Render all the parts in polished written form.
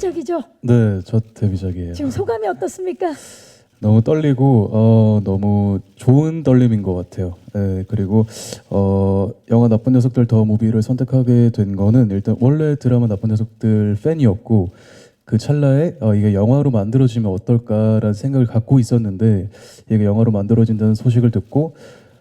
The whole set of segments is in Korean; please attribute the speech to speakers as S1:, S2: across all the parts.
S1: 데뷔작이죠?
S2: 네, 첫 데뷔작이에요.
S1: 지금 소감이 어떻습니까?
S2: 너무 떨리고 너무 좋은 떨림인 것 같아요. 네, 그리고 영화 나쁜 녀석들 더 무비를 선택하게 된 거는 일단 원래 드라마 나쁜 녀석들 팬이었고 그 찰나에 이게 영화로 만들어지면 어떨까라는 생각을 갖고 있었는데 이게 영화로 만들어진다는 소식을 듣고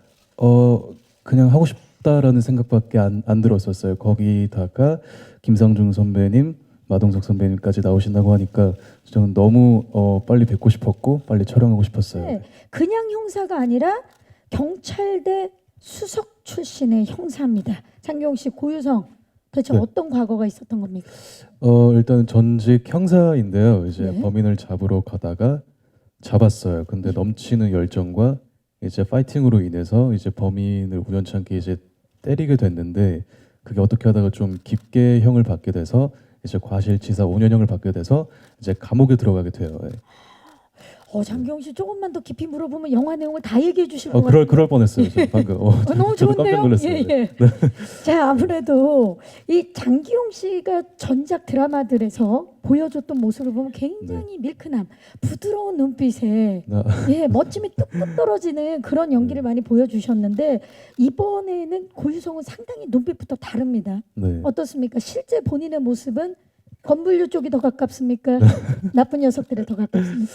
S2: 그냥 하고 싶다라는 생각밖에 안 들었었어요. 거기다가 김상중 선배님, 마동석 선배님까지 나오신다고 하니까 저는 너무 빨리 뵙고 싶었고 빨리 촬영하고 싶었어요.
S1: 네, 그냥 형사가 아니라 경찰대 수석 출신의 형사입니다. 장기용 씨, 고유성 대체
S2: 네.
S1: 어떤 과거가 있었던 겁니까?
S2: 일단 전직 형사인데요. 이제
S1: 네.
S2: 범인을 잡으러 가다가 잡았어요. 근데 넘치는 열정과 이제 파이팅으로 인해서 이제 범인을 우연찮게 이제 때리게 됐는데 그게 어떻게 하다가 좀 깊게 형을 받게 돼서 이제 과실치사 5년형을 받게 돼서 이제 감옥에 들어가게 돼요. 예.
S1: 장기용 씨 조금만 더 깊이 물어보면 영화 내용을 다 얘기해 주실 것 같아요.
S2: 그럴 뻔했어요. 저 방금.
S1: 너무
S2: 저도 깜짝
S1: 좋은데요?
S2: 놀랐어요.
S1: 예, 예. 자, 아무래도 이 장기용 씨가 전작 드라마들에서 보여줬던 모습을 보면 굉장히 밀크남, 부드러운 눈빛에 예, 멋짐이 뚝뚝 떨어지는 그런 연기를 많이 보여주셨는데 이번에는 고유성은 상당히 눈빛부터 다릅니다.
S2: 네.
S1: 어떻습니까? 실제 본인의 모습은 건물류 쪽이 더 가깝습니까? 나쁜 녀석들에 더 가깝습니까?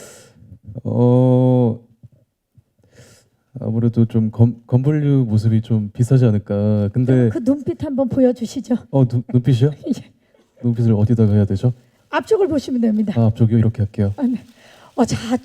S2: 아무래도 좀 건물류 모습이 좀 비슷하지 않을까. 근데
S1: 그 눈빛 한번 보여주시죠.
S2: 눈빛이요?
S1: 예.
S2: 눈빛을 어디다가 해야 되죠?
S1: 앞쪽을 보시면 됩니다.
S2: 앞쪽이요. 이렇게 할게요.
S1: 네. 자,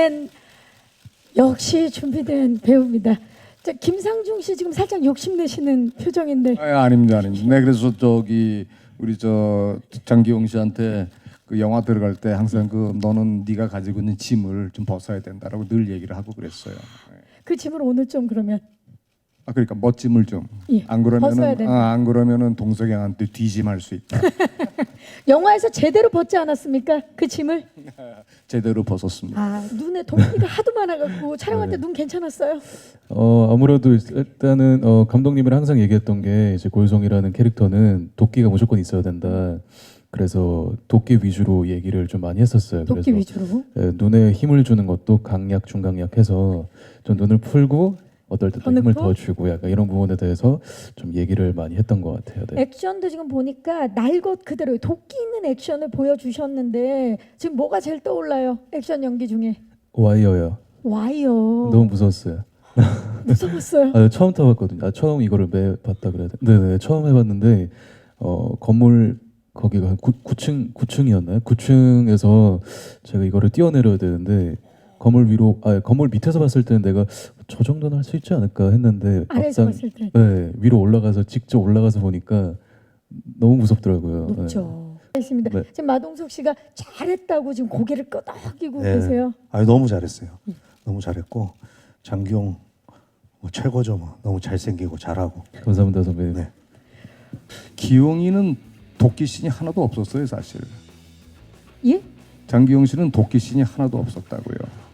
S1: 역시 준비된 배우입니다. 자, 김상중 씨 지금 살짝 욕심내시는 표정인데.
S3: 아닙니다. 네, 그래서 우리 장기용 씨한테 그 영화 들어갈 때 항상 너는 네가 가지고 있는 짐을 좀 벗어야 된다라고 늘 얘기를 하고 그랬어요.
S1: 그 짐을 오늘 좀 그러면
S3: 그러니까 멋짐을 좀.
S1: 예, 벗어야 된다.
S3: 안 그러면은 동석영한테 뒤짐할 수 있다.
S1: 영화에서 제대로 벗지 않았습니까? 그 짐을?
S3: 제대로 벗었습니다.
S1: 눈에 동기가 하도 많아갖고 촬영할 때 눈 괜찮았어요?
S2: 아무래도 일단은 감독님이랑 항상 얘기했던 게 이제 고유성이라는 캐릭터는 도끼가 무조건 있어야 된다. 그래서 도끼 위주로 얘기를 좀 많이 했었어요.
S1: 도끼
S2: 그래서
S1: 위주로?
S2: 눈에 힘을 주는 것도 강약, 중강약 해서 좀 눈을 풀고 어떨 때 힘을 더 주고 약간 이런 부분에 대해서 좀 얘기를 많이 했던 것 같아요. 네.
S1: 액션도 지금 보니까 날 것 그대로 도끼 있는 액션을 보여주셨는데 지금 뭐가 제일 떠올라요? 액션 연기 중에?
S2: 와이어요.
S1: 와이어.
S2: 너무 무서웠어요.
S1: 무서웠어요?
S2: 처음 타봤거든요. 처음 이거를 봤다 그래야 돼. 네네, 처음 해봤는데 건물 거기가 9층이었나요? 9층에서 제가 이거를 뛰어내려야 되는데 건물 밑에서 봤을 때는 내가 저 정도는 할 수 있지 않을까 했는데
S1: 아래에서 봤을 때?
S2: 네, 위로 올라가서 직접 올라가서 보니까 너무 무섭더라고요.
S1: 높죠. 있습니다.
S2: 네.
S1: 지금 마동석 씨가 잘했다고 지금 고개를 끄덕이고
S4: 네.
S1: 계세요.
S4: 너무 잘했어요. 너무 잘했고 장기용 최고죠. 너무 잘생기고 잘하고.
S2: 감사합니다 선배님.
S4: 네.
S3: 기용이는 도끼씬이 하나도 없었어요, 사실.
S1: 예?
S3: 장기용 씨는 도끼씬이 하나도 없었다고요.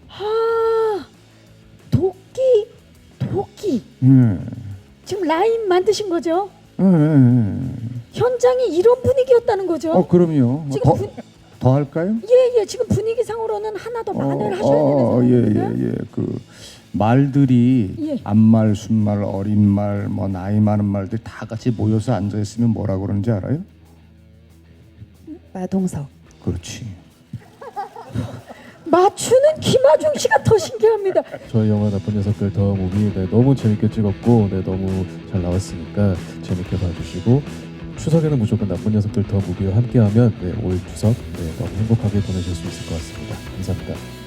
S1: 도끼.
S3: 네.
S1: 지금 라인 만드신 거죠?
S3: 네.
S1: 현장이 이런 분위기였다는 거죠?
S3: 그럼요.
S1: 지금
S3: 더 할까요?
S1: 예, 지금 분위기상으로는 하나 더 만회를 하셔야 되는 상황입니다.
S3: 그 말들이
S1: 예.
S3: 앞말, 순말, 어린 말, 나이 많은 말들 다 같이 모여서 앉아 있으면 뭐라고 그러는지 알아요?
S5: 마동석.
S3: 그렇지.
S1: 맞추는 김하중 씨가 더 신기합니다.
S2: 저희 영화 나쁜 녀석들 더 무비 너무 재밌게 찍었고 너무 잘 나왔으니까 재밌게 봐주시고 추석에는 무조건 나쁜 녀석들 더 무비와 함께하면 올 추석 너무 행복하게 보내실 수 있을 것 같습니다. 감사합니다.